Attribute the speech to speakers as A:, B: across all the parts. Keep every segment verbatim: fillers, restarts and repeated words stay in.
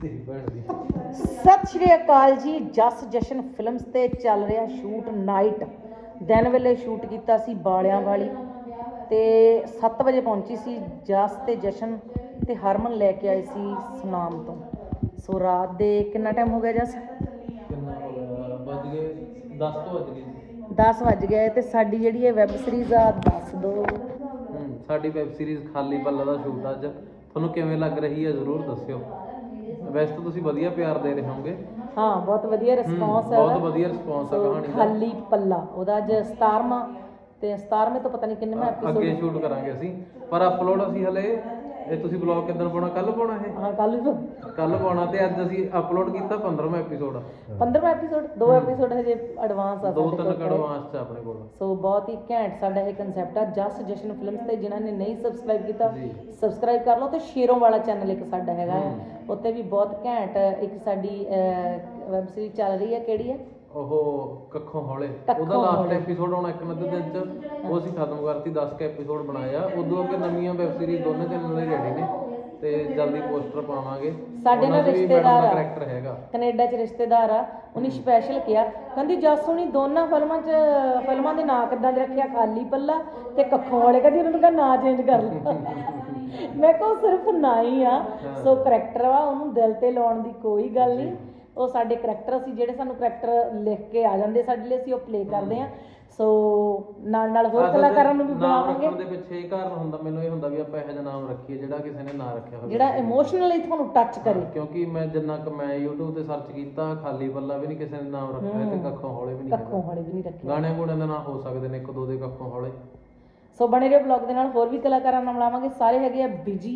A: ਸਤਿ ਸ਼੍ਰੀ ਅਕਾਲ ਜੀ। ਜਸ ਜਸ਼ਨ ਫਿਲਮਸ ਤੇ ਚੱਲ ਰਿਹਾ ਸ਼ੂਟ ਨਾਈਟ। ਦਿਨ ਵੇਲੇ ਸ਼ੂਟ ਕੀਤਾ ਸੀ ਬਾਲਿਆਂ ਵਾਲੀ ਤੇ ਸੱਤ ਵਜੇ ਪਹੁੰਚੀ ਸੀ ਜਸ ਤੇ ਜਸ਼ਨ ਤੇ ਹਰਮਨ ਲੈ ਕੇ ਆਏ ਸੀ ਸੁਨਾਮ ਤੋਂ। ਸੋ ਰਾਤ ਦੇ ਕਿੰਨਾ ਟਾਈਮ ਹੋ ਗਿਆ ਜਸ?
B: ਕਿੰਨਾ ਹੋ ਗਿਆ? ਵੱਜ ਗਏ ਦਸ ਤੋਂ ਵੱਜ ਗਏ
A: ਦਸ ਵੱਜ ਗਏ ਤੇ ਸਾਡੀ ਜਿਹੜੀ ਇਹ ਵੈਬ ਸੀਰੀਜ਼ ਆ ਦੱਸ ਦੋ।
B: ਹੂੰ ਸਾਡੀ ਵੈਬ ਸੀਰੀਜ਼ ਖਾਲੀ ਪੱਲਾ ਦਾ ਸ਼ੂਟ ਅੱਜ ਤੁਹਾਨੂੰ ਕਿਵੇਂ ਲੱਗ ਰਹੀ ਹੈ ਜ਼ਰੂਰ ਦੱਸਿਓ। ਵੈਸੇ ਤਾਂ ਤੁਸੀਂ ਵਧੀਆ ਪਿਆਰ ਦੇ ਰਹੇ ਹੋਵੋਗੇ।
A: ਹਾਂ ਬਹੁਤ ਵਧੀਆ ਰਿਸਪੌਂਸ ਹੈ,
B: ਬਹੁਤ ਵਧੀਆ ਰਿਸਪੌਂਸ ਆ ਕਹਾਣੀ ਦਾ।
A: ਖਾਲੀ ਪੱਲਾ ਉਹਦਾ ਅੱਜ ਸਤਾਰਵਾਂ ਤੇ ਸਤਾਰਵੇਂ ਤੋਂ ਪਤਾ ਨਹੀਂ ਕਿੰਨੇਵਾਂ ਐਪੀਸੋਡ
B: ਅੱਗੇ ਸ਼ੂਟ ਕਰਾਂਗੇ ਅਸੀਂ, ਪਰ ਅਪਲੋਡ ਅਸੀਂ ਹਲੇ ਇਹ ਤੁਸੀਂ ਬਲੌਗ ਕਿੱਦਣ ਪਾਉਣਾ? ਕੱਲ ਪਾਉਣਾ ਇਹ?
A: ਹਾਂ ਕੱਲ ਵੀ
B: ਕੱਲ ਪਾਉਣਾ ਤੇ ਅੱਜ ਅਸੀਂ ਅਪਲੋਡ ਕੀਤਾ ਪੰਦਰਵਾਂ ਐਪੀਸੋਡ।
A: ਪੰਦਰਵਾਂ ਐਪੀਸੋਡ, ਦੋ ਐਪੀਸੋਡ ਹਜੇ ਐਡਵਾਂਸ ਆ
B: ਦੋ
A: ਸਾਡੇ
B: ਤਿੰਨ
A: ਕੋਲ।
B: ਐਡਵਾਂਸ ਚ ਆਪਣੇ ਕੋਲ।
A: ਸੋ ਬਹੁਤ ਹੀ ਘੈਂਟ ਸਾਡਾ ਇਹ ਕਨਸੈਪਟ ਆ ਜਸ ਜਸ਼ਨ ਫਿਲਮਸ ਤੇ ਜਿਨ੍ਹਾਂ ਨੇ ਨਹੀਂ ਸਬਸਕ੍ਰਾਈਬ ਕੀਤਾ ਸਬਸਕ੍ਰਾਈਬ ਕਰ ਲਓ। ਤੇ ਸ਼ੇਰੋਂ ਵਾਲਾ ਚੈਨਲ ਇੱਕ ਸਾਡਾ ਹੈਗਾ ਆ, ਉੱਤੇ ਵੀ ਬਹੁਤ ਘੈਂਟ ਇੱਕ ਸਾਡੀ ਵੈਬ ਸੀਰੀਜ਼ ਚੱਲ ਰਹੀ ਹੈ। ਕਿਹੜੀ ਹੈ
B: ਉਹ ਕੱਖੋਂ ਹੌਲੇ। ਉਹਦਾ ਲਾਸਟ ਐਪੀਸੋਡ ਆਉਣਾ ਇੱਕ ਅੱਧੇ ਦਿਨ ਚ, ਉਹ ਅਸੀਂ ਖਤਮ ਕਰਤੀ। ਦਸ ਕੁ ਐਪੀਸੋਡ ਬਣਾਏ ਆ। ਉਦੋਂ ਅੱਗੇ ਨਵੀਆਂ ਵੈਬ ਸੀਰੀਜ਼ ਦੋਨੇ ਚੈਨਲ ਲਈ ਰੈਡੀ ਨੇ ਤੇ ਜਲਦੀ ਪੋਸਟਰ ਪਾਵਾਂਗੇ।
A: ਸਾਡੇ ਨਾਲ ਰਿਸ਼ਤੇਦਾਰ ਆ,
B: ਕਰੈਕਟਰ ਹੈਗਾ
A: ਕੈਨੇਡਾ ਚ ਰਿਸ਼ਤੇਦਾਰ ਆ, ਉਹਨੇ ਸਪੈਸ਼ਲ ਕਿਹਾ, ਕਹਿੰਦੀ ਜਸ ਹੁਣੀ ਦੋਨਾਂ ਫਿਲਮਾਂ ਚ ਫਿਲਮਾਂ ਦੇ ਨਾਂ ਕਿੱਦਾਂ ਦੇ ਰੱਖਿਆ? ਖਾਲੀ ਪੱਲਾ ਤੇ ਕੱਖੋਂ ਵਾਲੇ। ਕਹਿੰਦੀ ਉਹਨਾਂ ਨੂੰ ਕਹਾਂ ਨਾਂ ਚੇਂਜ ਕਰ ਲਓ। ਮੈਂ ਕਿਹਾ ਸਿਰਫ ਨਾਂ ਹੀ ਆ। ਸੋ ਕਰੈਕਟਰ ਵਾ, ਉਹਨੂੰ ਦਿਲ ਤੇ ਲਾਉਣ ਦੀ ਕੋਈ ਗੱਲ ਨਹੀਂ। ਉਹ ਸਾਡੇ ਕਰੈਕਟਰ ਅਸੀਂ ਜਿਹੜੇ ਸਾਨੂੰ ਕਰੈਕਟਰ ਲਿਖ ਕੇ ਆ ਜਾਂਦੇ ਸਾਡੇ ਲਈ, ਅਸੀਂ ਉਹ ਪਲੇ ਕਰਦੇ ਹਾਂ। ਸੋ ਨਾਲ ਨਾਲ ਹੋਰ ਕਲਾਕਾਰਾਂ ਨੂੰ ਵੀ ਬਣਾਵਾਂਗੇ।
B: ਨਾਮ ਰੱਖਣ ਦੇ ਪਿੱਛੇ ਇਹ ਕਾਰਨ ਹੁੰਦਾ, ਮੈਨੂੰ ਇਹ ਹੁੰਦਾ ਵੀ ਆਪਾਂ ਇਹੋ ਜਿਹਾ ਨਾਮ ਰੱਖੀਏ ਜਿਹੜਾ ਕਿਸੇ ਨੇ ਨਾ ਰੱਖਿਆ ਹੋਵੇ,
A: ਜਿਹੜਾ ਇਮੋਸ਼ਨਲੀ ਤੁਹਾਨੂੰ ਟੱਚ ਕਰੇ।
B: ਕਿਉਂਕਿ ਮੈਂ ਜਿੰਨਾ ਕੁ ਮੈਂ YouTube ਤੇ ਸਰਚ ਕੀਤਾ, ਖਾਲੀ ਪੱਲਾ ਵੀ ਨਹੀਂ ਕਿਸੇ ਨੇ ਨਾਮ ਰੱਖਿਆ ਤੇ ਕੱਖੋਂ ਹੌਲੇ ਵੀ ਨਹੀਂ।
A: ਕੱਖੋਂ ਹੌਲੇ ਵੀ ਨਹੀਂ ਰੱਖਿਆ।
B: ਗਾਣੇ ਗੂਣਿਆਂ ਦੇ ਨਾਂ ਹੋ ਸਕਦੇ ਨੇ ਇੱਕ ਦੋ ਦੇ ਕੱਖੋਂ ਹੌਲੇ।
A: ਸੋ ਬਣੇ ਰਹੋ ਬਲੌਗ ਦੇ ਨਾਲ, ਹੋਰ ਵੀ ਕਲਾਕਾਰਾਂ ਨਾਲ ਮਿਲਾਵਾਂਗੇ। ਸਾਰੇ ਹੈਗੇ ਆ ਬਿਜੀ।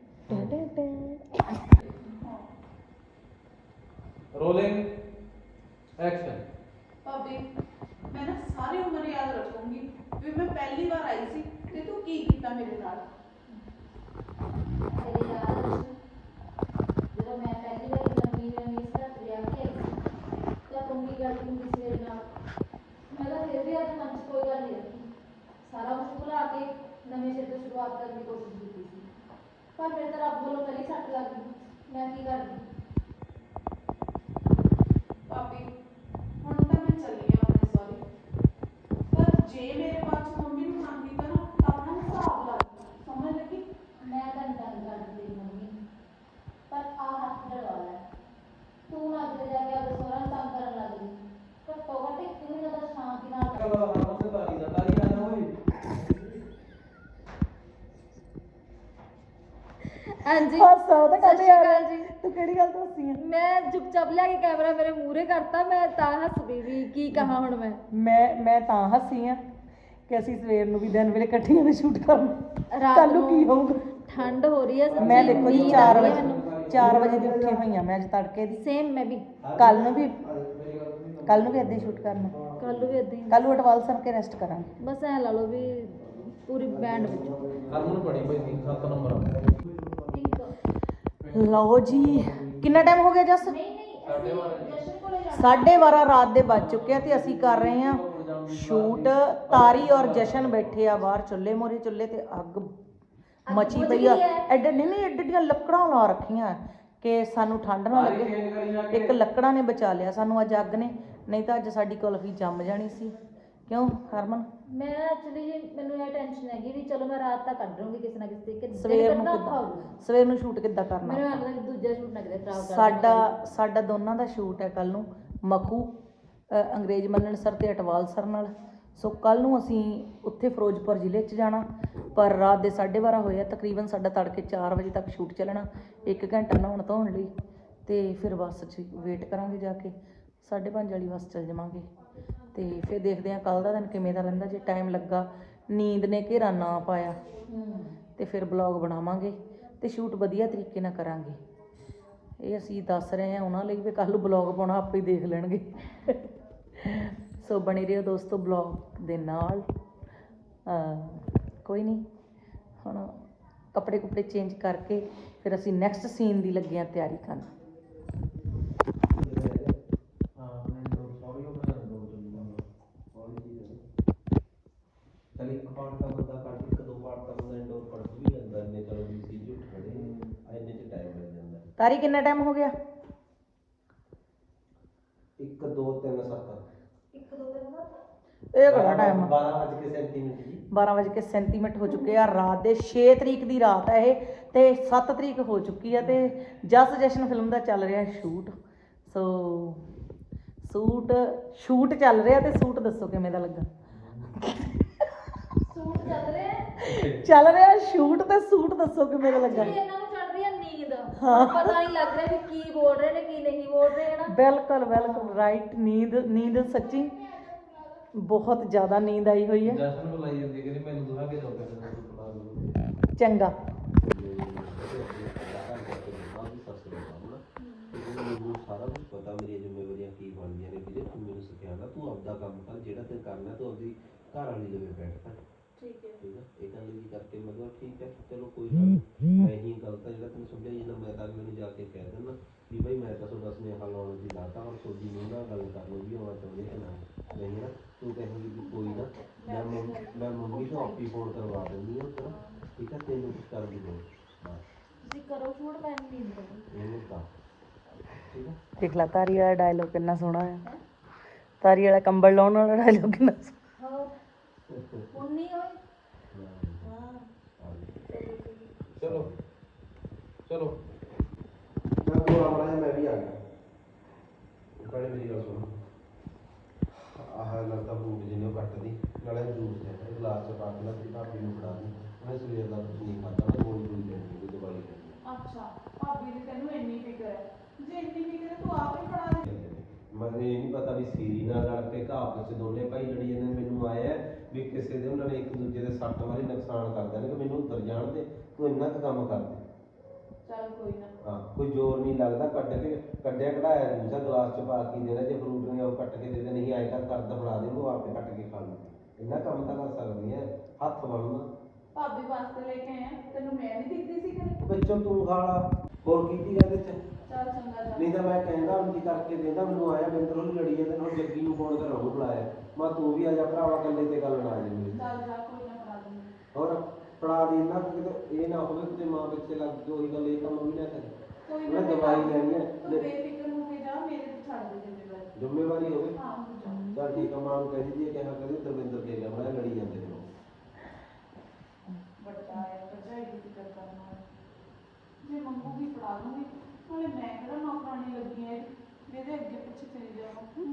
B: Rolling action.
C: ਭਾਬੀ ਮੈਂ ਨਾ ਸਾਰੀ ਉਮਰ ਯਾਦ ਰੱਖੂੰਗੀ ਵੀ ਮੈਂ ਪਹਿਲੀ ਵਾਰ ਆਈ ਸੀ ਤੇ ਤੂੰ ਕੀ ਕੀਤਾ ਮੇਰੇ ਨਾਲ।
D: ਤੇਰੇ ਯਾਦ ਆ ਜਦੋਂ ਮੈਂ ਪਹਿਲੀ ਵਾਰ ਨਵੀਂ ਨਵੀਂ ਇਸ ਘਰ ਵਿਆਹ ਕੇ ਆਈ ਸੀ ਤਾਂ ਤੂੰ ਕੀ ਕਰਦੀ ਹੁੰਦੀ ਸੀ ਮੇਰੇ ਨਾਲ? ਮੈਂ ਤਾਂ ਫਿਰ ਵੀ ਅੱਜ ਮਨ 'ਚ ਕੋਈ ਗੱਲ ਨਹੀਂ ਰੱਖੀ, ਸਾਰਾ ਕੁਝ ਭੁਲਾ ਕੇ ਨਵੇਂ ਸਿਰ ਤੋਂ ਸ਼ੁਰੂਆਤ ਕਰਨ ਦੀ ਕੋਸ਼ਿਸ਼ ਕੀਤੀ ਸੀ, ਪਰ ਮੇਰੇ ਤਾਂ ਰੱਬ ਵੱਲੋਂ ਪਹਿਲੀ ਸੱਟ ਲੱਗ ਗਈ। ਮੈਂ ਕੀ ਕਰਦੀ?
C: ਭਾਬੀ ਹੁਣ ਤਾਂ ਮੈਂ ਚੱਲੀ ਆ ਆਪਣੇ ਸਹੁਰੇ, ਪਰ ਜੇ ਮੇਰੇ ਬਾਅਦ 'ਚ ਮੰਮੀ ਨੂੰ ਨਾ ਕੀਤਾ ਨਾ ਤਾਂ ਆਪਣਾ ਹਿਸਾਬ ਲਾ ਲਈ। ਸਮਝ ਲੱਗੀ?
D: ਮੈਂ ਤਾਂ ਨਹੀਂ ਤੰਗ ਕਰਦੀ ਤੇਰੀ ਮੰਮੀ, ਪਰ ਆਹ ਹੱਥ ਡਲਵਾ ਲੈ। ਤੂੰ ਨਾ ਕਿਤੇ ਜਾ ਕੇ ਆਪਣੇ ਸਹੁਰਾ ਨੂੰ ਤੰਗ ਕਰਨ ਲੱਗ ਗਈ। ਘੱਟੋ ਘੱਟ ਇੱਕ ਮਹੀਨਾ ਤਾਂ ਸ਼ਾਂਤੀ ਨਾਲ ਹਾਂਜੀ
A: ਹਾਸਾ ਉਹਦਾ
D: ਸਤਿ ਸ਼੍ਰੀ ਅਕਾਲ ਜੀ।
A: ਤੂੰ ਕਿਹੜੀ ਗੱਲ ਦੱਸੀ ਆ?
D: ਮੈਂ ਚੁੱਪਚਾਪ ਲਿਆ ਕੇ ਕੈਮਰਾ ਮੇਰੇ ਮੂਹਰੇ ਕਰਤਾ, ਮੈਂ ਤਾਂ ਹੱਸ ਪਈ ਵੀ ਕੀ ਕਹਾਂ ਹੁਣ ਮੈਂ।
A: ਮੈਂ ਮੈਂ ਤਾਂ ਹੱਸੀ ਆ ਕਿ ਅਸੀਂ ਸਵੇਰ ਨੂੰ ਵੀ ਦਿਨ ਵੇਲੇ ਇਕੱਠੀਆਂ ਨੇ ਸ਼ੂਟ ਕਰਨਾ।
D: ਰਾਤ
A: ਕੱਲ ਨੂੰ ਕੀ ਹੋਊਗਾ?
D: ਠੰਡ ਹੋ ਰਹੀ ਹੈ ਸੱਚੀ।
A: ਮੈਂ ਦੇਖੋ ਜੀ
D: ਨੀਂਦ
A: ਚਾਰ
D: ਆ ਰਹੀ ਹੈ
A: ਵਜੇ
D: ਮੈਨੂੰ।
A: ਚਾਰ ਵਜੇ ਦੀ ਉੱਠੀ ਹੋਈ ਆ ਮੈਂ ਅੱਜ ਤੜਕੇ ਦੀ।
D: ਸੇਮ ਮੈਂ ਵੀ
A: ਕੱਲ ਨੂੰ ਵੀ ਕੱਲ ਨੂੰ ਵੀ ਏਦਾਂ ਹੀ ਸ਼ੂਟ ਕਰਨਾ।
D: ਕੱਲ ਵੀ ਏਦਾਂ ਹੀ,
A: ਕੱਲ ਨੂੰ ਅਟਵਾਲ ਸਰ ਕੇ ਰੈਸਟ ਕਰਾਂਗੇ।
D: ਬਸ ਐ ਲਾ ਲਓ ਵੀ ਪੂਰੀ ਬੈਂਡ ਵਿੱਚ।
B: ਹਰਮਨ ਪੜੀ ਭਾਈ ਤਿੰਨ ਸੱਤ ਨੰਬਰ ਆ।
A: ਲਓ ਜੀ ਕਿੰਨਾ ਟਾਈਮ ਹੋ ਗਿਆ ਜਸ?
D: ਨਹੀਂ ਨਹੀਂ ਅਸੀਂ ਜਸ਼ਨ ਕੋਲੇ ਜਾਣਾ।
A: ਸਾਢੇ ਬਾਰਾਂ ਰਾਤ ਦੇ ਵੱਜ ਚੁੱਕੇ ਆ ਤੇ ਅਸੀਂ ਕਰ ਰਹੇ ਹਾਂ ਸ਼ੂਟ। ਤਾਰੀ ਔਰ ਜਸ਼ਨ ਬੈਠੇ ਆ ਬਾਹਰ ਚੁੱਲ੍ਹੇ ਮੋਰੇ, ਚੁੱਲ੍ਹੇ ਤੇ ਅੱਗ ਮਚੀ ਪਈ ਆ। ਐਡੇ ਨਹੀਂ ਨਹੀਂ ਐਡੇ ਐਡੀਆਂ ਲੱਕੜਾਂ ਲਾ ਰੱਖੀਆਂ ਕਿ ਸਾਨੂੰ ਠੰਡ ਨਾ ਲੱਗੇ। ਇੱਕ ਲੱਕੜਾਂ ਨੇ ਬਚਾ ਲਿਆ ਸਾਨੂੰ ਅੱਜ ਅੱਗ ਨੇ, ਨਹੀਂ ਤਾਂ ਅੱਜ ਸਾਡੀ ਕੁਲਫੀ ਜੰਮ ਜਾਣੀ ਸੀ। ਕਿਉਂ ਹਰਮਨ?
D: ਮੈਂ ਐਕਚੁਅਲੀ ਜੀ ਮੈਨੂੰ ਇਹ ਟੈਨਸ਼ਨ ਹੈਗੀ ਵੀ ਚਲੋ ਮੈਂ ਰਾਤ ਤੱਕ ਕੱਢ ਲੂੰਗੀ ਕਿਸੇ ਨਾ ਕਿਸੇ ਤਰੀਕੇ।
A: ਸਵੇਰ ਨੂੰ ਕਿੱਦਾਂ ਸਵੇਰ ਨੂੰ ਸ਼ੂਟ ਕਿੱਦਾਂ ਕਰਨਾ?
D: ਮੈਨੂੰ ਲੱਗਦਾ ਕਿ ਦੂਜਾ ਸ਼ੂਟ ਨਾ ਕਿਤੇ ਖਰਾਬ ਕਰ
A: ਸਾਡਾ ਸਾਡਾ ਦੋਨਾਂ ਦਾ ਸ਼ੂਟ ਹੈ ਕੱਲ ਨੂੰ ਮਖੂ ਅ, ਅੰਗਰੇਜ਼ ਮੰਨਣ ਸਰ ਤੇ ਅਟਵਾਲ ਸਰ ਨਾਲ। ਸੋ ਕੱਲ ਨੂੰ ਅਸੀਂ ਉੱਥੇ ਫਿਰੋਜ਼ਪੁਰ ਜ਼ਿਲ੍ਹੇ 'ਚ ਜਾਣਾ, ਪਰ ਰਾਤ ਦੇ ਸਾਢੇ ਬਾਰਾਂ ਹੋਏ ਆ। ਤਕਰੀਬਨ ਸਾਡਾ ਤੜਕੇ ਚਾਰ ਵਜੇ ਤੱਕ ਸ਼ੂਟ ਚੱਲਣਾ। ਇੱਕ ਘੰਟਾ ਨਹਾਉਣ ਧੋਣ ਲਈ ਤੇ ਫਿਰ ਬੱਸ 'ਚ ਵੇਟ ਕਰਾਂਗੇ ਜਾ ਕੇ। ਸਾਢੇ ਪੰਜ ਵਾਲੀ ਬੱਸ ਚੱਲ ਜਾਵਾਂਗੇ ਤੇ ਫਿਰ ਦੇਖਦੇ ਹਾਂ ਕੱਲ੍ਹ ਦਾ ਦਿਨ ਕਿਵੇਂ ਦਾ ਰਹਿੰਦਾ। ਜੇ ਟਾਈਮ ਲੱਗਾ, ਨੀਂਦ ਨੇ ਘੇਰਾ ਨਾ ਪਾਇਆ ਤੇ ਫਿਰ ਬਲੌਗ ਬਣਾਵਾਂਗੇ ਤੇ ਸ਼ੂਟ ਵਧੀਆ ਤਰੀਕੇ ਨਾਲ ਕਰਾਂਗੇ। ਇਹ ਅਸੀਂ ਦੱਸ ਰਹੇ ਹਾਂ ਉਹਨਾਂ ਲਈ ਵੀ ਕੱਲ੍ਹ ਨੂੰ ਬਲੌਗ ਪਾਉਣਾ ਆਪੇ ਹੀ ਦੇਖ ਲੈਣਗੇ। ਸੋ ਬਣੇ ਰਹੋ ਦੋਸਤੋ ਬਲੌਗ ਦੇ ਨਾਲ। ਕੋਈ ਨਹੀਂ, ਹੁਣ ਕੱਪੜੇ ਕੁਪੜੇ ਚੇਂਜ ਕਰਕੇ ਫਿਰ ਅਸੀਂ ਨੈਕਸਟ ਸੀਨ ਦੀ ਲੱਗੇ ਹਾਂ ਤਿਆਰੀ ਕਰਨ।
E: ਚੱਲ ਇੱਕ ਪਾਰਟ ਦਾ ਬੰਦਾ ਕੱਢ, ਇੱਕ ਦੋ ਪਾਰਟ ਦਾ ਬੰਦਾ ਇੰਡੋਰ ਪੜ੍ਹ ਵੀ ਜਾਂਦਾ। ਇੰਨੇ ਚਲੋ ਵੀ ਸੀ ਉੱਠ ਖੜੇ ਇੰਨੇ 'ਚ ਟਾਈਮ ਲੱਗ ਜਾਂਦਾ।
A: ਤਾਰੀ ਕਿੰਨਾ ਟਾਈਮ ਹੋ ਗਿਆ?
E: ਇੱਕ ਦੋ ਤਿੰਨ ਸੱਤ
D: ਇੱਕ ਦੋ ਤਿੰਨ ਬਾਅਦ
A: ਇਹ ਕਿਹੜਾ ਟਾਈਮ ਆ?
E: ਬਾਰਾਂ ਵੱਜ ਕੇ ਸੈਂਤੀ ਮਿੰਟ ਜੀ।
A: ਬਾਰਾਂ ਵਜੇ ਕੇ ਸੈਂਤੀ ਮਿੰਟ ਹੋ ਚੁੱਕੇ ਆ। ਰਾਤ ਦੇ ਛੇ ਤਰੀਕ ਦੀ ਰਾਤ ਹੈ ਇਹ ਤੇ ਸੱਤ ਤਰੀਕ ਹੋ ਚੁੱਕੀ ਆ ਤੇ ਜਸ ਜਸ਼ਨ ਫਿਲਮ ਦਾ ਚੱਲ ਰਿਹਾ ਸ਼ੂਟ। ਸੋ ਸ਼ੂਟ ਸ਼ੂਟ ਚੱਲ ਰਿਹਾ ਤੇ ਸ਼ੂਟ ਦੱਸੋ ਕਿਵੇਂ ਦਾ ਲੱਗਾ?
D: ਸੂਟ ਚੱਲ ਰਿਹਾ ਹੈ।
A: ਚੱਲ ਰਿਹਾ ਸ਼ੂਟ ਤੇ ਸ਼ੂਟ ਦੱਸੋ ਕਿਵੇਂ ਦਾ ਲੱਗਾ?
D: Actually ਇਹਨਾਂ ਨੂੰ ਚੜ ਰਹੀ ਹੈ ਨੀਂਦ। ਪਤਾ ਨਹੀਂ ਲੱਗ ਰਿਹਾ ਵੀ ਕੀ ਬੋਲ ਰਹੇ ਨੇ ਕੀ ਨਹੀਂ ਬੋਲ ਰਹੇ ਹੈ ਨਾ।
A: ਬਿਲਕੁਲ ਬਿਲਕੁਲ ਰਾਈਟ। ਨੀਂਦ ਨੀਂਦ ਸੱਚੀ ਬਹੁਤ ਜ਼ਿਆਦਾ ਨੀਂਦ ਆਈ ਹੋਈ ਹੈ।
B: ਜਸ਼ਨ ਬੁਲਾਈ ਜਾਂਦੀ ਕਿ ਮੈਨੂੰ ਦੁਹਾ ਕੇ ਜਾਓ ਕਿਸੇ
A: ਚੰਗਾ
E: ਸਾਰਾ ਕੁਝ ਪਤਾ ਮੇਰੀਆਂ ਜ਼ਿੰਮੇਵਾਰੀਆਂ ਕੀ ਬਣਦੀਆਂ ਨੇ ਵੀਰੇ। ਤੂੰ ਮੈਨੂੰ ਸਿਖਾਉਣਾ, ਤੂੰ ਆਪਦਾ ਕੰਮ ਕਰ ਜਿਹੜਾ ਤੇ ਕਰਨਾ, ਤੂੰ ਆਪਦੀ ਘਰ ਵਾਲੀ ਲਵੇ ਬੈਠ ਕਰ।
C: ਠੀਕ ਹੈ
E: ਠੀਕ ਆ, ਇਹ ਗੱਲ ਵੀ ਕਰਕੇ ਮਤਲਬ ਠੀਕ ਹੈ ਚਲੋ ਕੋਈ ਗੱਲ ਨੀ। ਮੈਂ ਹੀ ਗਲਤ ਆ ਜਿਹੜਾ ਤੈਨੂੰ ਸਮਝਾਈ ਜਾਂਦਾ। ਮੈਂ ਤਾਂ ਮੈਨੂੰ ਜਾ ਕੇ ਕਹਿ ਦਿੰਦਾ ਵੀ ਭਾਈ ਮੈਂ ਤਾਂ ਤੁਹਾਡਾ ਸੁਨੇਹਾ ਲਾਉਣ ਦੀ ਲਾਤਾ ਔਰ ਤੁਹਾਡੀ ਨੂੰ ਨਾਲ ਗੱਲ ਕਰ ਲਓ ਵੀ ਆਉਣਾ ਚਾਹੁੰਦੇ ਕਿ ਨਾ ਨਹੀਂ ਨਾ। ਤੂੰ ਕਹੇਂਗੀ ਵੀ ਕੋਈ ਨਾ ਮੈਂ ਮੰਮ- ਮੈਂ ਮੰਮੀ ਤੋਂ ਆਪੀ ਫੋਨ ਕਰਵਾ ਦਿੰਦੀ ਹਾਂ ਉੱਧਰ। ਠੀਕ ਆ, ਤੈਨੂੰ ਕੁਛ ਕਰ ਦੀ ਲੋੜ ਬਸ
D: ਤੁਸੀਂ ਕਰੋ ਸ਼ੂਟ ਮੈਂ ਨੀਂਦ ਕਰੂੰ।
E: ਇਹਨੂੰ ਤਾਂ ਠੀਕ ਆ।
A: ਦੇਖ ਲਾ ਤਾਰੀ ਵਾਲਾ ਡਾਇਲੋਗ ਕਿੰਨਾ ਸੋਹਣਾ ਹੈ। ਤਾਰੀ ਵਾਲਾ ਕੰਬਲ ਲਾਉਣ ਵਾਲਾ ਡਾਇਲੋਗ ਕਿੰਨਾ ਸੋਹਣਾ।
D: ਹੋਰ ਹੁਣ ਨਹੀਂ ਹੋਈ। ਹਾਂ
B: ਚਲੋ ਚਲੋ
E: ਮੈਂ ਕੋਲ ਆਉਣਾ ਹੈ, ਮੈਂ ਵੀ ਆ ਗਿਆ। ਪਹਿਲੇ ਮੇਰੀ ਗੱਲ ਸੁਣ। ਆਹ ਲੱਗਦਾ ਫੂਡ ਜਿਹਨੇ ਉਹ ਕੱਟਦੀ ਨਾਲੇ ਜੂਸ ਦੇ ਇਹ ਗਲਾਸ ਚ ਪਾ ਕੇ ਨਾ ਤੇ ਭਾਬੀ ਨੂੰ ਫੜਾ ਦੀ। ਉਹਨੇ ਸਵੇਰ ਦਾ ਕੁਝ ਨਹੀਂ ਖਾਧਾ, ਉਹਨੇ ਗੋਲੀ ਗੋਲੀ ਲੈਣੀ ਉਹਦੀ ਦਵਾਈ ਲੈਣੀ।
C: ਅੱਛਾ ਭਾਬੀ ਦੀ ਤੈਨੂੰ ਇੰਨੀ ਫਿਕਰ ਹੈ। ਜੇ ਇੰਨੀ ਫਿਕਰ ਹੈ ਤੂੰ ਆਪ ਹੀ ਫੜਾ ਦੇ।
E: ਮੈਨੂੰ ਇਹ ਨਹੀਂ ਪਤਾ ਵੀ ਸੀਰੀ ਨਾਲ ਲੜ ਕੇ ਘਾਪ ਚ ਦੋਨੇ ਭਾਈ ਲੜੀ ਜਾਂਦੇ ਨੇ। ਮੈਨੂੰ ਆਇਆ ਵੀ ਕਿਸੇ ਦੇ ਉਹਨਾਂ ਨੇ ਇੱਕ ਦੂਜੇ ਦੇ ਸੱਟ ਮਾਰੀ ਨੁਕਸਾਨ ਕਰ ਦੇਣਗੇ। ਮੈਨੂੰ ਉੱਤਰ ਜਾਣ ਦੇ, ਤੂੰ ਇੰਨਾ ਕੁ ਕੰਮ ਕਰ ਦੇ।
C: ਚੱਲ ਕੋਈ ਨਾ।
E: ਹਾਂ ਕੋਈ ਜ਼ੋਰ ਨਹੀਂ ਲੱਗਦਾ। ਕੱਢ ਕੇ ਕੱਢਿਆ ਕਢਾਇਆ ਦੂਜਾ ਗਲਾਸ ਚ ਪਾ ਕੇ ਦੇਣਾ। ਜੇ ਫਰੂਟ ਨੇ ਉਹ ਕੱਟ ਕੇ ਦੇ ਦੇ, ਨਹੀਂ ਆਏ ਕਰ ਕਰਦਾ ਫੜਾ ਦੇ, ਉਹ ਆਪੇ ਕੱਟ ਕੇ ਖਾ ਲੂ। ਇੰਨਾ ਕੰਮ ਤਾਂ ਕਰ ਸਕਦੀ ਹੈ। ਹੱਥ ਬਣਨਾ
C: ਭਾਬੀ ਵਾਸਤੇ ਲੈ ਕੇ ਆਇਆ, ਤੈਨੂੰ ਮੈਂ ਨਹੀਂ ਦਿਖਦੀ ਸੀ ਕਦੇ।
E: ਵਿੱਚੋਂ ਤੂੰ ਖਾ ਲਾ, ਹੋਰ ਕੀ ਕੀ ਇਹਦੇ ਚ।
C: ਚੱਲ ਚੰਗਾ ਜਾ।
E: ਨਹੀਂ ਤਾਂ ਮੈਂ ਕਹਿੰਦਾ ਹੁਣ ਕੀ ਕਰਕੇ ਦਿੰਦਾ। ਮੈਨੂੰ ਆਇਆ ਬਿੰਦਰ ਉਹਨੂੰ ਲੜੀ ਜਾਂਦੇ ਹੁਣ ਜੱਗੀ ਨੂੰ ਫੋਨ ਕਰ ਉਹਨੂੰ ਬੁਲਾਇਆ। ਮੈਂ ਤੂੰ ਵੀ ਆ ਜਾ ਭਰਾਵਾ, ਇਕੱਲੇ ਤੇ ਗੱਲ ਨਾ ਆ ਜਾਵੇ।
C: ਚੱਲ ਜਾ ਕੋਈ ਨਾ ਫੜਾ ਦੂੰਗੀ।
E: ਹੋਰ ਫੜਾ ਦੀ ਨਾ ਕਿਤੇ ਇਹ ਨਾ ਹੋਵੇ ਕਿਤੇ ਮਾਂ ਪਿੱਛੇ ਲੱਗ ਕੇ ਉਹੀ ਗੱਲ ਇਹ ਕੰਮ ਵੀ ਨਾ ਕਰੇ।
C: ਕੋਈ
E: ਮੈਂ
C: ਨਾ
E: ਦਵਾਈ ਲੈਣੀ ਹੈ।
C: ਤੂੰ ਬੇਫਿਕਰ ਹੋ ਕੇ ਜਾ, ਮੇਰੇ ਤੇ ਛੱਡ ਦੇ ਜ਼ਿੰਮੇਵਾਰੀ।
E: ਜ਼ਿੰਮੇਵਾਰੀ ਹੋਵੇ
C: ਹਾਂ ਹੋ ਜਾ।
E: ਚੱਲ ਠੀਕ ਆ। ਮਾਂ ਨੂੰ ਕਹਿ ਦਿੱਤੀ ਕਿਹਾ ਕਦੇ ਦਰਵਿੰਦਰ ਦੇ ਗਿਆ ਮੈਂ ਲੜੀ ਜਾਂਦੇ ਨੇ।
C: ਵੱਡਾ ਹੈ ਭਰਜਾਈ ਦੀ ਫਿਕਰ ਕਰਨ ਵਾਲਾ। ਜੇ ਮੰਗੂਗੀ ਫੜਾ ਦੂੰਗੀ। ਨਾਲੇ ਮੈਂ ਕਿਹੜਾ ਨੌਕਰਾਨੀ ਲੱਗੀ ਹੈ ਜਿਹਦੇ ਅੱਗੇ ਪਿੱਛੇ ਫਿਰੀ ਜਾਵਾਂ।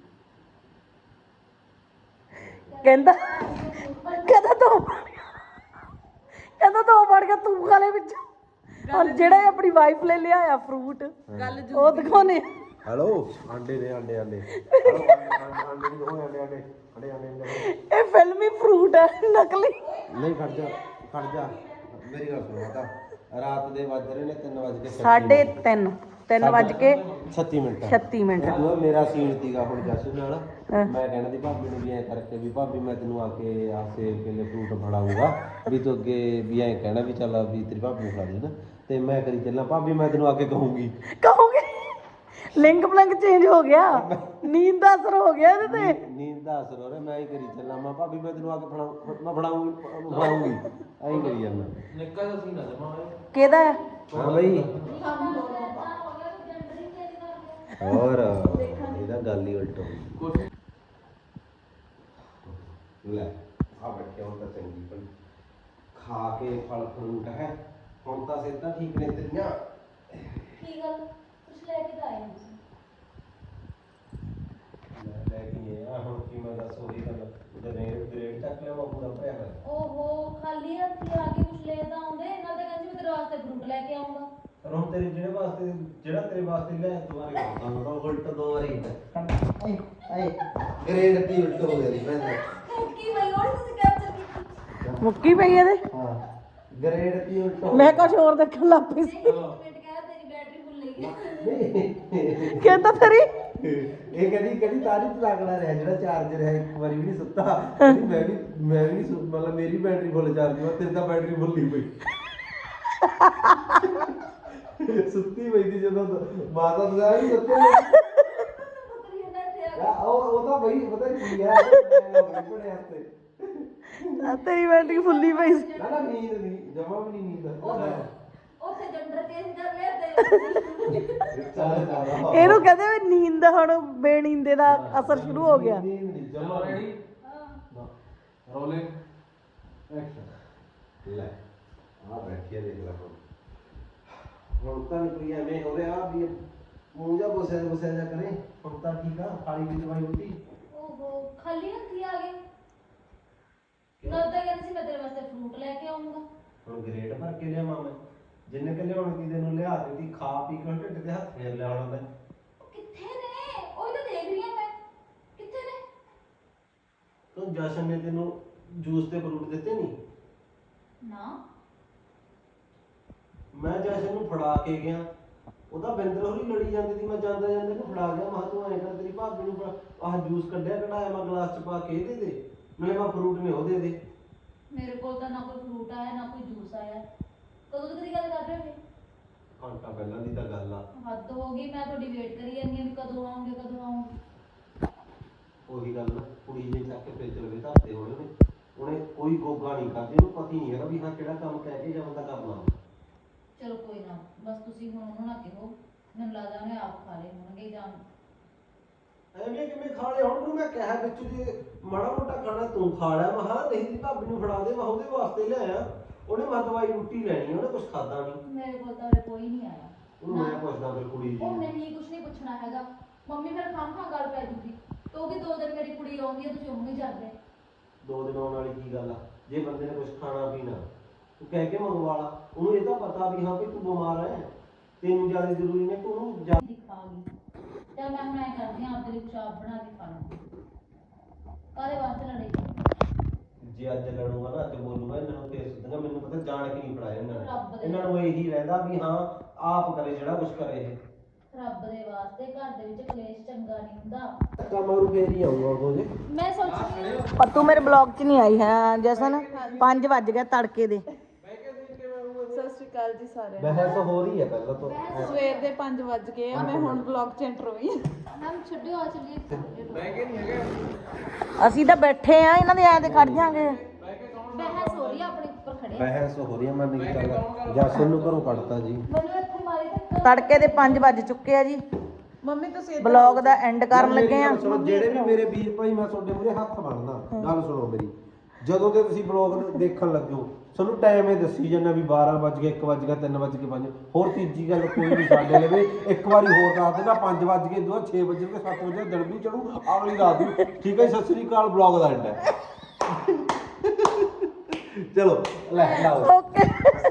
A: ਕਹਿੰਦਾ ਕਹਿੰਦਾ ਤੂੰ ਕਹਿੰਦਾ ਤੂੰ ਵੜ ਕੇ ਤੂੰ ਖਾ ਲੈ ਵਿੱਚ। ਔਰ ਜਿਹੜਾ ਇਹ ਆਪਣੀ ਵਾਈਫ ਲੈ ਲਿਆ ਆ ਫਰੂਟ ਉਹ ਦਿਖਾਉਣੇ ਆ।
E: ਹੈਲੋ ਆਂਡੇ ਨੇ ਆਂਡੇ ਆਂਡੇ ਆਂਡੇ ਨਹੀਂ ਹੋਏ ਆਂਡੇ ਆਂਡੇ ਆਂਡੇ ਆਂਡੇ
A: ਇਹ ਫਿਲਮੀ ਫਰੂਟ ਹੈ ਨਕਲੀ।
E: ਨਹੀਂ ਖੜ ਜਾ ਖੜ ਜਾ ਮੇਰੀ ਗੱਲ ਸੁਣ ਮਾਤਾ। ਰਾਤ ਦੇ ਵੱਜ ਰਹੇ ਨੇ ਤਿੰਨ ਵੱਜ ਕੇ
A: ਸਾਢੇ ਤਿੰਨ ਤਿੰਨ ਵੱਜ ਕੇ
E: ਛੱਤੀ ਮਿੰਟ
A: ਛੱਤੀ ਮਿੰਟ।
E: ਤੂੰ ਮੇਰਾ ਸੀਨ ਸੀਗਾ ਹੁਣ ਜਸੂ ਨਾਲ। ਮੈਂ ਕਹਿਣਾ ਦੀ ਭਾਬੀ ਨੂੰ ਵੀ ਐਂ ਕਰਕੇ ਵੀ ਭਾਬੀ ਮੈਂ ਤੈਨੂੰ ਆ ਕੇ ਆ ਸੇਬ ਕੇਲੇ ਫਰੂਟ ਫੜਾਊਗਾ ਵੀ ਤੂੰ ਅੱਗੇ ਵੀ ਐਂ ਕਹਿਣਾ ਵੀ ਚੱਲ ਵੀ ਤੇਰੀ ਭਾਬੀ ਨੂੰ ਫੜਾ ਦੇ ਨਾ। ਤੇ ਮੈਂ ਕਰੀ ਚੱਲਾਂ ਭਾਬੀ ਮੈਂ ਤੈਨੂੰ ਆ ਕੇ ਕਹੂੰਗੀ
A: ਕਹੋਗੇ ਲਿੰਗ ਬਲੰਗ ਚੇਂਜ ਹੋ ਗਿਆ। ਨੀਂਦ ਦਾ ਅਸਰ ਹੋ ਗਿਆ ਇਹਦੇ ਤੇ।
E: ਨੀਂਦ ਦਾ ਅਸਰ ਹੋ ਰਿਹਾ। ਮੈਂ ਹੀ ਕਰੀ ਚੱਲਾਂ ਮੈਂ ਭਾਬੀ ਮੈਂ ਤੈਨੂੰ ਆ ਕੇ ਫੜਾ ਮੈਂ ਫੜਾਉਂਗੀ ਫੜਾਉਂਗੀ ਐਂ ਕਰੀ ਜਾਂਦਾ।
B: ਨਿੱਕਾ ਜਿਹਾ ਸੀਨ ਆ ਜਮਾ ਹੋਇਆ।
A: ਕਿਹਦਾ ਹੈ?
E: ਹਾਂ ਬਈ
C: ਕੰਮ ਦੋਨੋਂ ਪਾ।
D: ਹੋ ਗਿਆ ਤੂੰ ਜੰਡਰ ਹੀ ਚੇਂਜ ਕਰ ਲਿਆ।
E: ਹੋਰ ਇਹਦਾ ਗੱਲ ਹੀ ਉਲਟ ਹੋ ਗਈ।
B: ਕੁਛ
E: ਲੈ ਆ ਬੈਠੇ ਹੁਣ ਤਾਂ ਚੰਗੀ ਭਲੀ ਖਾ ਕੇ ਫਲ ਫਰੂਟ ਹੈ। ਹੁਣ ਤਾਂ ਸਿੱਧਾ ਠੀਕ ਨੇ ਤੇਰੀਆਂ।
D: ਕੀ ਗੱਲ ਕੁਛ ਲੈ ਕੇ ਤਾਂ ਆਏ ਨਹੀਂ।
E: ਲੈ ਲੈ ਕੇ ਆ ਹੁਣ ਕੀ ਮੈਂ ਦੱਸ ਉਹੀ ਗੱਲ ਗ੍ਰੇਡ ਗ੍ਰੇਡ ਚੱਕ ਲਿਆ ਪੂਰਾ ਭਰਿਆ ਹੋਇਆ।
D: ਓਹੋ ਖਾਲੀ ਹੱਥੀ ਆ ਕੇ ਕੁਛ ਲੈ ਤਾਂ ਆਉਂਦੇ। ਇਹਨਾਂ ਤੇ ਕਹਿੰਦੀ ਮੈਂ ਤੇਰੇ ਵਾਸਤੇ ਫਰੂਟ ਲੈ ਕੇ ਆਉਂਗਾ।
E: ਪਰ ਹੁਣ ਤੇਰੇ ਜਿਹੜੇ ਵਾਸਤੇ ਜਿਹੜਾ ਤੇਰੇ ਵਾਸਤੇ ਲੈ ਦੁਬਾਰੇ ਕਰਦਾ ਤਾਂ ਉਲਟ ਦੋ ਵਾਰੀ ਆਏ ਆਏ ਗ੍ਰੇਡ ਦੀ ਉਲਟ ਹੋ ਗਈ ਮੈਂ
D: ਕੀ ਬਈ ਹੋਰ ਤੁਸੀਂ ਕੈਪਚਰ ਕੀਤੀ।
A: ਮੁੱਕੀ ਪਈ ਇਹਦੇ।
E: ਹਾਂ ਗ੍ਰੇਡ ਦੀ ਉਲਟ ਹੋ
A: ਮੈਂ ਕੁਝ ਹੋਰ ਦੇਖਣ ਲੱਗ ਪਈ ਸੀ।
D: ਇੱਕ ਮਿੰਟ ਕਹਿ ਤੇਰੀ ਬੈਟਰੀ ਫੁੱਲ ਗਈ।
A: ਕਹਿੰਦਾ ਤੇਰੀ
E: ਇਹ ਕਦੀ ਕਦੀ ਤਾਰੀ ਤਲਾਕੜਾ ਰਿਹਾ ਜਿਹੜਾ ਚਾਰਜਰ ਹੈ ਇੱਕ ਵਾਰੀ ਵੀ ਨਹੀਂ ਸੁੱਤਾ। ਕਹਿੰਦੀ ਮੈਂ ਵੀ ਮੈਂ ਵੀ ਨਹੀਂ ਸੁ- ਮਤਲਬ ਮੇਰੀ ਬੈਟਰੀ ਫੁੱਲ ਚਾਰਜ ਹੋਈ ਤੇਰੀ ਤਾਂ ਬੈਟਰੀ ਫੁੱਲ ਨਹੀਂ ਪਈ। ਸੁੱਤੀ ਪਈ ਸੀ ਜਦੋਂ ਮਾਤਾ ਦਾ ਵੀ ਸੁੱਤੇ
D: ਪੁੱਤਰੀ ਇਹਨਾਂ ਤੇ ਆ
E: ਯਾ ਉਹ ਉਹ ਤਾਂ ਬਈ ਪਤਾ ਕੀ ਹੈ ਮੈਂ ਬੜੇ ਹੱਥੇ
A: ਆ ਤੇਰੀ ਬੈਟਰੀ ਫੁੱਲੀ ਪਈ ਸੀ।
E: ਨਾ ਨਾ ਨੀਂਦ ਨਹੀਂ ਜਮਾ ਵੀ ਨਹੀਂ ਨੀਂਦ
D: ਉੱਥੇ ਜੈਂਡਰ ਚੇਂਜ ਕਰ ਲਿਆ ਤੇ
E: ਚੱਲ ਚੱਲ
A: ਇਹਨੂੰ ਕਹਿੰਦੇ ਵੀ ਨੀਂਦ ਦਾ ਹੁਣ ਬੇਨੀਂਦੇ ਦਾ ਅਸਰ ਸ਼ੁਰੂ ਹੋ ਗਿਆ।
B: ਚਲੋ ਰੈਡੀ
D: ਹਾਂ
B: ਰੋਲਿੰਗ ਐਕਸ਼ਨ।
E: ਲੈ ਆ ਬੈਠੀ ਆ ਦੇਖ ਲੈ ਹੁਣ ਹੁਣ ਤਾਂ ਨੀ ਕੋਈ ਐਵੇਂ ਹੋ ਰਿਹਾ ਵੀ ਮੂੰਹ ਜਾ ਬੋਸਿਆ ਬੋਸਿਆ ਜਾ ਕਰੇ। ਹੁਣ ਤਾਂ ਠੀਕ ਆ ਖਾਲੀ ਦੀ ਦਵਾਈ ਬੂਟੀ
D: ਓਹੋ ਖਾਲੀ ਹੱਥੀ ਆ ਗਏ ਨਾ ਤਾਂ ਕਹਿੰਦੇ ਸੀ ਮੈਂ ਤੇਰੇ ਵਾਸਤੇ ਫਰੂਟ ਲੈ ਕੇ ਆਉਂਗਾ।
E: ਹੁਣ ਗ੍ਰੇਡ ਭਰ ਕੇ ਲਿਆਵਾਂ ਮੈਂ ਜਿੰਨੇ ਕਿ ਲਿਆਉਣ ਦੀ ਤੈਨੂੰ ਲਿਆ ਦਿੱਤੀ ਖਾ ਪੀ ਕੇ ਢਿੱਡ ਦੇ ਹੱਥ ਫੇਰ ਲਿਆਉਣਾ ਮੈਂ
D: ਕਿੱਥੇ ਨੇ ਉਹ ਤਾਂ ਦੇਖ ਰਹੀ ਆ ਮੈਂ ਕਿੱਥੇ ਨੇ।
E: ਤੂੰ ਜਸ਼ਨ ਨੇ ਤੈਨੂੰ ਜੂਸ ਤੇ ਫਰੂਟ ਦਿੱਤੇ ਨਹੀਂ।
D: ਨਾ
E: ਮੈਂ ਜਸ਼ਨ ਨੂੰ ਫੜਾ ਕੇ ਗਿਆ ਉਹਦਾ ਬਿੰਦਰ ਹੋਰੀ ਲੜੀ ਜਾਂਦੀ ਸੀ। ਮੈਂ ਜਾਂਦਾ ਜਾਂਦਾ ਨੂੰ ਫੜਾ ਗਿਆ। ਮੈਂ ਤੂੰ ਐਂ ਕਰ ਤੇਰੀ ਭਾਬੀ ਨੂੰ ਫੜਾ- ਆਹ ਜੂਸ ਕੱਢਿਆ ਕਢਾਇਆ ਮੈਂ ਗਲਾਸ ਚ ਪਾ ਕੇ ਇਹਦੇ ਦੇ ਨਾਲੇ ਮੈਂ ਫਰੂਟ ਨੇ ਉਹਦੇ ਦੇ।
D: ਮੇਰੇ ਕੋਲ ਤਾਂ ਨਾ ਕੋਈ ਫਰੂਟ ਆਇਆ ਨਾ ਕੋਈ ਜੂਸ ਆਇਆ। ਕਦੋਂ ਤੱਕ ਦੀ ਗੱਲ ਕਰ ਰਹੇ ਹੋ?
E: ਘੰਟਾ ਪਹਿਲਾਂ ਦੀ ਤਾਂ ਗੱਲ ਆ।
D: ਹੱਦ ਹੋ ਗਈ ਮੈਂ ਤੁਹਾਡੀ ਵੇਟ ਕਰੀ ਜਾਂਦੀ ਹਾਂ ਵੀ ਕਦੋਂ ਆਉਂਗੇ ਕਦੋਂ ਆਉਂਗੇ।
E: ਉਹੀ ਗੱਲ ਨਾ ਕੁੜੀ ਨੇ ਚੱਕ ਕੇ ਫੇਰ ਚਲੇ ਧਰਤੇ ਹੋਣੇ ਨੇ। ਉਹਨੇ ਕੋਈ ਗੋਗਾ ਨਹੀਂ ਕਰਦੀ ਉਹਨੂੰ ਪਤਾ ਹੀ ਨਹੀਂ ਹੈਗਾ ਵੀ ਹਾਂ ਕਿਹੜਾ ਕੰਮ ਕਹਿ ਕੇ ਜਾਂ ਬੰਦਾ ਕਰਨਾ।
D: ਚਲੋ ਕੋਈ ਨਾ ਬਸ ਤੁਸੀਂ ਹੁਣ ਉਹਨੂੰ ਨਾ ਕਹੋ ਮੈਨੂੰ ਲੱਗਦਾ ਉਹਨੇ ਆਪ ਖਾ ਲਏ ਹੋਣਗੇ ਜਾਂ
E: ਐਵੇਂ ਕਿਵੇਂ ਖਾ ਲਏ ਹੁਣ ਨੂੰ ਮੈਂ ਕਿਹਾ ਵਿੱਚ ਜੇ ਮਾੜਾ ਮੋਟਾ ਖਾਣਾ ਤੂੰ ਖਾ ਲਿਆ। ਮੈਂ ਹਾਂ ਨਹੀਂ ਦੀ ਭਾਬੀ ਨੂੰ ਫੜਾ ਦੇ ਮੈਂ ਉਹਦੇ ਵਾਸਤੇ ਲਿਆਇਆ। ਉਹਨੇ ਮੈਂ ਦਵਾਈ ਰੋਟੀ ਲੈਣੀ ਉਹਨੇ ਕੁਝ ਖਾਦਾ ਨਹੀਂ।
D: ਮੇਰੇ ਕੋਲ ਤਾਂ ਉਰੇ ਕੋਈ ਨਹੀਂ ਆਇਆ।
E: ਉਹਨੂੰ ਮੈਂ ਪੁੱਛਦਾ ਫਿਰ ਕੁੜੀ ਜੀ
D: ਉਹ ਨਹੀਂ ਕੁਝ ਨਹੀਂ ਪੁੱਛਣਾ ਹੈਗਾ। ਮੰਮੀ ਫਿਰ ਖਾਂ ਖਾਂ ਗੱਲ ਪੈ ਜੂਗੀ ਕਿਉਂਕਿ ਦੋ ਦਿਨ ਮੇਰੀ ਕੁੜੀ ਆਉਂਦੀ ਹੈ ਤੁਸੀਂ ਉਹਨੂੰ ਹੀ ਜਾਂਦੇ।
E: ਦੋ ਦਿਨ ਆਉਣ ਵਾਲੀ ਕੀ ਗੱਲ ਆ। ਜੇ ਬੰਦੇ ਨੇ ਕੁਝ ਖਾਣਾ ਪੀਣਾ ਤੂੰ ਕਹਿ ਕੇ ਮੰਗਵਾ ਲਾ। ਉਹਨੂੰ ਇਹ ਤਾਂ ਪਤਾ ਵੀ ਹਾਂ ਵੀ ਤੂੰ ਬਿਮਾਰ ਹੈ ਤੈਨੂੰ ਜ਼ਿਆਦਾ ਜ਼ਰੂਰੀ ਨੇ ਤੂੰ ਉਹਨੂੰ ਜਾ
D: ਦਿਖਾ ਗਈ ਚੱਲ ਮੈਂ ਹੁਣ ਐ ਕਰਦੀ ਹਾਂ ਆਪਦੇ ਲਈ ਕੁਛ ਆਪ ਬਣਾ ਕੇ ਖਾ ਲਵਾਂ। ਕਾਹਦੇ ਵਾਸਤੇ ਲੜੇ?
E: ਜੇ ਅੱਜ ਲੜੂਗਾ ਨਾ ਅੱਜ ਬੋਲੂਗਾ ਇਹਨਾਂ ਨੂੰ ਫੇਰ ਸੁਧਣਾ। ਮੈਨੂੰ ਪਤਾ ਜਾਣ ਕੇ ਨਹੀਂ ਫੜਾਇਆ ਇਹਨਾਂ
D: ਰੱਬ
E: ਨੇ।
D: ਦੇ।
E: ਇਹਨਾਂ ਨੂੰ ਇਹੀ ਰਹਿੰਦਾ ਵੀ ਹਾਂ ਆਪ ਕਰੇ ਜਿਹੜਾ ਕੁਝ ਕਰੇ ਇਹ।
D: ਰੱਬ ਦੇ ਵਾਸਤੇ ਘਰ ਦੇ ਵਿੱਚ ਕਲੇਸ਼ ਚੰਗਾ ਨਹੀਂ ਹੁੰਦਾ।
E: ਧੱਕਾ ਮਾਰੂ ਫੇਰ ਹੀ ਆਊਗਾ ਉਹ ਜੇ।
D: ਮੈਂ ਸੋਚਦੀ ਹਾਂ
A: ਪਰ ਤੂੰ ਮੇਰੇ ਬਲੌਗ 'ਚ ਨਹੀਂ ਆਈ ਹੈ ਜਸਨ। ਪੰਜ ਵੱਜ ਗਏ ਤੜਕੇ ਦੇ।
C: ਸਤਿ ਸ਼੍ਰੀ ਅਕਾਲ ਜੀ ਸਾਰਿਆਂ
E: ਬਹਿਸ ਹੋ ਰਹੀ ਹੈ ਪਹਿਲਾਂ ਤੋਂ।
C: ਨੂੰ। ਸਵੇਰ ਦੇ ਪੰਜ ਵੱਜ ਗਏ ਆ ਮੈਂ ਹੁਣ ਵਲੌਗ ਚ ਐਂਟਰ ਹੋਈ ਹਾਂ।
D: ਮੈਮ ਛੱਡਿਓ ਆ ਚੱਲੀਏ।
B: ਬਹਿ ਕੇ ਨਹੀਂ ਹੈਗਾ
A: ਅਸੀਂ ਤਾਂ ਬੈਠੇ ਆ ਇਹਨਾਂ ਦੇ ਐਂ ਤੇ ਖੜ ਜਾਾਂਗੇ।
D: ਬਹਿਸ ਹੋ ਰਹੀ ਆ ਆਪਣੇ ਉੱਪਰ ਖੜੇ ਆ।
E: ਬਹਿਸ ਹੋ ਰਹੀ ਹੈ ਮੈਂ ਨਹੀਂ ਕਰਦਾ। ਜਸਨ ਨੂੰ ਘਰੋਂ ਕੱਢਤਾ ਜੀ।
D: ਮੈਨੂੰ ਇੱਥੇ ਮਾਰੀ ਧੱਕਾ।
A: ਤੜਕੇ ਦੇ ਪੰਜ ਵੱਜ ਚੁੱਕੇ ਆ ਜੀ।
C: ਮੰਮੀ ਤੁਸੀਂ ਇੱਧਰ
A: ਬਲੌਗ ਦਾ ਐਂਡ ਕਰਨ ਲੱਗੇ ਆ।
F: ਸੁਣੋ ਜਿਹੜੇ ਵੀ ਮੇਰੇ ਵੀਰ ਭਾਈ ਮੈਂ ਤੁਹਾਡੇ ਮੂਹਰੇ ਹੱਥ ਬੰਨਦਾ ਗੱਲ ਸੁਣੋ ਮੇਰੀ। ਜਦੋਂ ਤੇ ਤੁਸੀਂ ਬਲੌਗ ਦੇਖਣ ਲੱਗੋ ਤੁਹਾਨੂੰ ਟਾਈਮ ਇਹ ਦੱਸੀ ਜਾਂਦਾ ਵੀ ਬਾਰਾਂ ਵੱਜ ਗਏ ਇੱਕ ਵੱਜ ਗਿਆ ਤਿੰਨ ਵੱਜ ਕੇ ਪੰਜ। ਹੋਰ ਤੀਜੀ ਗੱਲ ਕੋਈ ਨਹੀਂ ਸਾਡੇ ਲਵੇ ਇੱਕ ਵਾਰੀ ਹੋਰ ਦੱਸ ਦੇਣਾ ਪੰਜ ਵੱਜ ਗਏ ਦੋ ਛੇ ਵੱਜ ਗਏ ਸੱਤ ਵਜੇ ਦਿਨ ਵੀ ਚੜੂ ਅਗਲੀ ਰਾਤ ਵੀ। ਠੀਕ ਹੈ ਸਤਿ ਸ੍ਰੀ ਅਕਾਲ ਬਲੌਗ ਦਾ ਐਂਡ ਹੈ। ਚਲੋ ਲੈ ਲਾਓ।
A: ਓਕੇ।